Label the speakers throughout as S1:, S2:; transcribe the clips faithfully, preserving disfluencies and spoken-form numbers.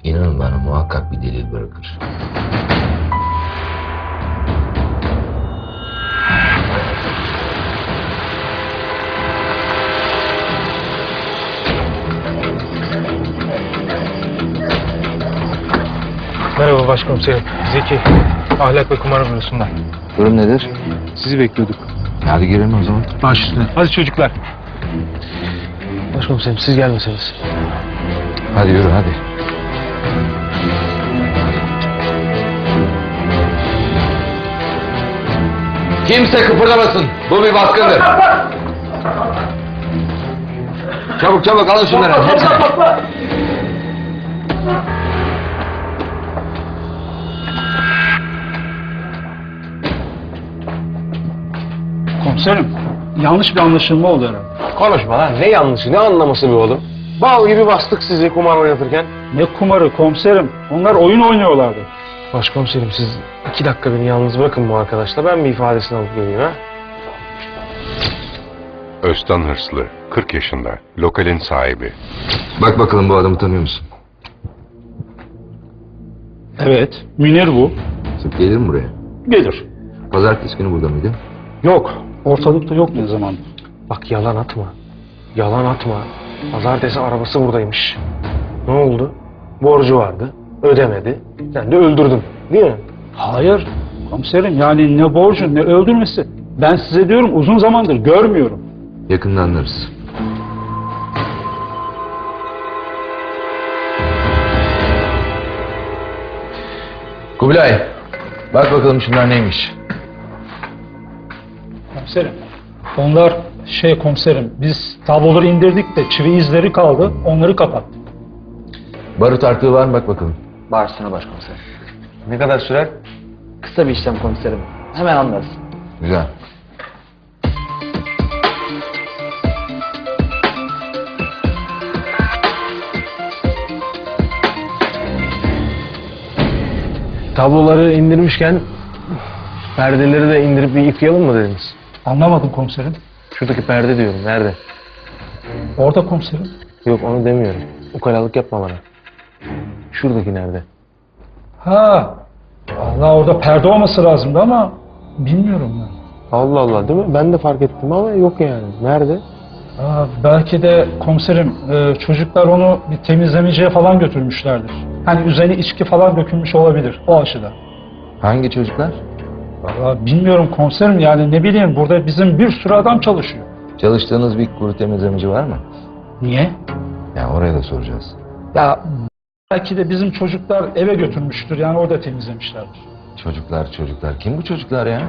S1: İnanın bana muhakkak bir delil bırakır.
S2: Merhaba başkomiserim. Zeki. Ahlak ve kumar bürosundan.
S1: Durum nedir?
S2: Sizi bekliyorduk.
S1: Hadi girelim o zaman.
S2: Baş üstüne. Hadi çocuklar. Başkomiserim siz gelmeseniz.
S1: Hadi yürü hadi. Kimse kıpırdamasın. Bu bir baskındır. Çabuk çabuk alın şunları. Hepsini.
S3: Komiserim, yanlış bir anlaşılma oldu herhalde.
S2: Konuşma lan. Ne yanlışı, ne anlaması be oğlum? Bal gibi bastık sizi kumar oynatırken.
S3: Ne kumarı komiserim, onlar oyun oynuyorlardı.
S2: Başkomiserim siz iki dakika beni yalnız bırakın bu arkadaşla. Ben bir ifadesini alıp geleyim ha.
S4: Öztan Hırslı, kırk yaşında, lokalin sahibi.
S1: Bak bakalım bu adamı tanıyor musun?
S3: Evet, Münir bu.
S1: Sık gelir mi buraya?
S3: Gelir.
S1: Pazartesi günü burada mıydı?
S3: Yok, ortalıkta yok ne zaman.
S2: Bak yalan atma. Yalan atma. Pazartesi arabası buradaymış. Ne oldu? Borcu vardı. Ödemedi. Sen de öldürdün. Değil mi?
S3: Hayır, komiserim yani ne borcu ne öldürmesi. Ben size diyorum uzun zamandır görmüyorum.
S1: Yakında anlarız. Kubilay, bak bakalım şunlar neymiş?
S3: Komiserim, onlar şey komiserim, biz tabloları indirdik de çivi izleri kaldı, onları kapattık.
S1: Barut artığı var mı bak bakalım.
S5: Bağırsana başkomiserim.
S2: Ne kadar sürer?
S5: Kısa bir işlem komiserim. Hemen anlarız.
S1: Güzel.
S2: Tabloları indirmişken perdeleri de indirip bir yıkayalım mı dediniz?
S3: Anlamadım komiserim.
S2: Şuradaki perde diyorum. Nerede?
S3: Orada komiserim.
S2: Yok onu demiyorum. Ukalalık yapma bana. Şuradaki nerede?
S3: Ha, Allah orada perde olması lazımdı ama bilmiyorum ben.
S2: Allah Allah değil mi? Ben de fark ettim ama yok yani. Nerede?
S3: Ha, belki de komiserim e, çocuklar onu bir temizlemeciye falan götürmüşlerdir. Hani üzerine içki falan dökülmüş olabilir o aşıda.
S1: Hangi çocuklar?
S3: Vallahi bilmiyorum komiserim yani ne bileyim burada bizim bir sürü adam çalışıyor.
S1: Çalıştığınız bir kuru temizlemeci var mı?
S3: Niye?
S1: Ya oraya da soracağız.
S3: Ya belki de bizim çocuklar eve götürmüştür yani orada temizlemişlerdir.
S1: Çocuklar çocuklar. Kim bu çocuklar ya?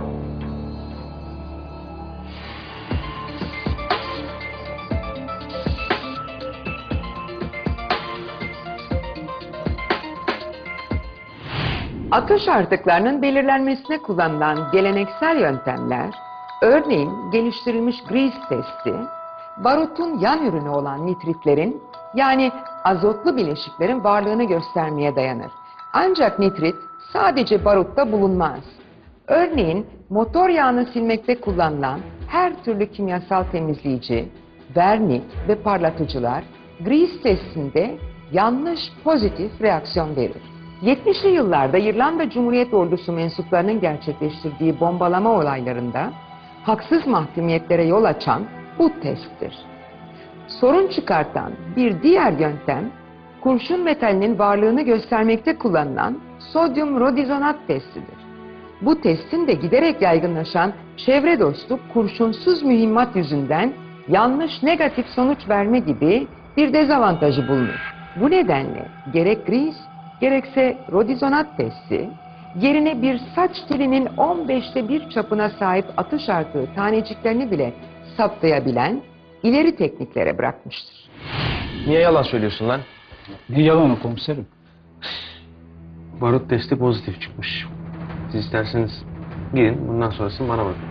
S6: Atış artıklarının belirlenmesine kullanılan geleneksel yöntemler, örneğin geliştirilmiş Grease testi, barutun yan ürünü olan nitritlerin yani azotlu bileşiklerin varlığını göstermeye dayanır. Ancak nitrit sadece barutta bulunmaz. Örneğin motor yağını silmekte kullanılan her türlü kimyasal temizleyici, vernik ve parlatıcılar Grease testinde yanlış pozitif reaksiyon verir. yetmişli yıllarda İrlanda Cumhuriyet Ordusu mensuplarının gerçekleştirdiği bombalama olaylarında haksız mahkumiyetlere yol açan bu testtir. Sorun çıkartan bir diğer yöntem, kurşun metalinin varlığını göstermekte kullanılan sodyum rodizonat testidir. Bu testin de giderek yaygınlaşan çevre dostu kurşunsuz mühimmat yüzünden yanlış negatif sonuç verme gibi bir dezavantajı bulunur. Bu nedenle gerek Grease gerekse rodizonat testi, yerine bir saç telinin on beşte bir çapına sahip atış artığı taneciklerini bile saptayabilen ileri tekniklere bırakmıştır.
S2: Niye yalan söylüyorsun lan?
S3: Ne yalanı komiserim?
S2: Barut testi pozitif çıkmış. Siz isterseniz gidin bundan sonrasını bana bırakın.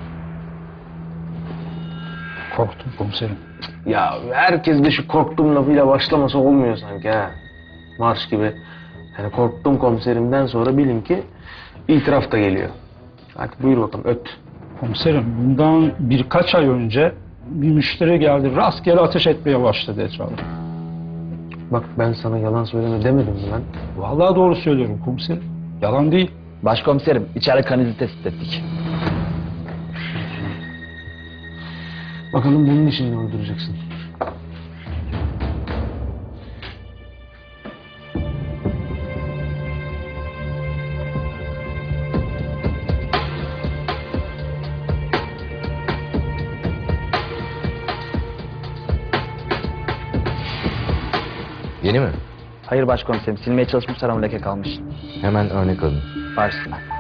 S3: Korktum komiserim.
S2: Ya herkes de şu korktuğum lafıyla başlaması olmuyor sanki ha. Marş gibi. Yani korktum komiserimden sonra bilin ki itiraf da geliyor. Hadi buyur bakalım öt.
S3: Komiserim bundan birkaç ay önce bir müşteri geldi rastgele ateş etmeye başladı etrafa.
S2: Bak ben sana yalan söyleme demedim mi lan?
S3: Vallahi doğru söylüyorum komiserim. Yalan değil.
S5: Başkomiserim içeride kan izi tespit ettik.
S2: Bakalım bunun için ne uyduracaksın?
S1: Yeni mi?
S5: Hayır başkomiserim silmeye çalışmışlar ama leke kalmış.
S1: Hemen örnek alın.
S5: Başsına.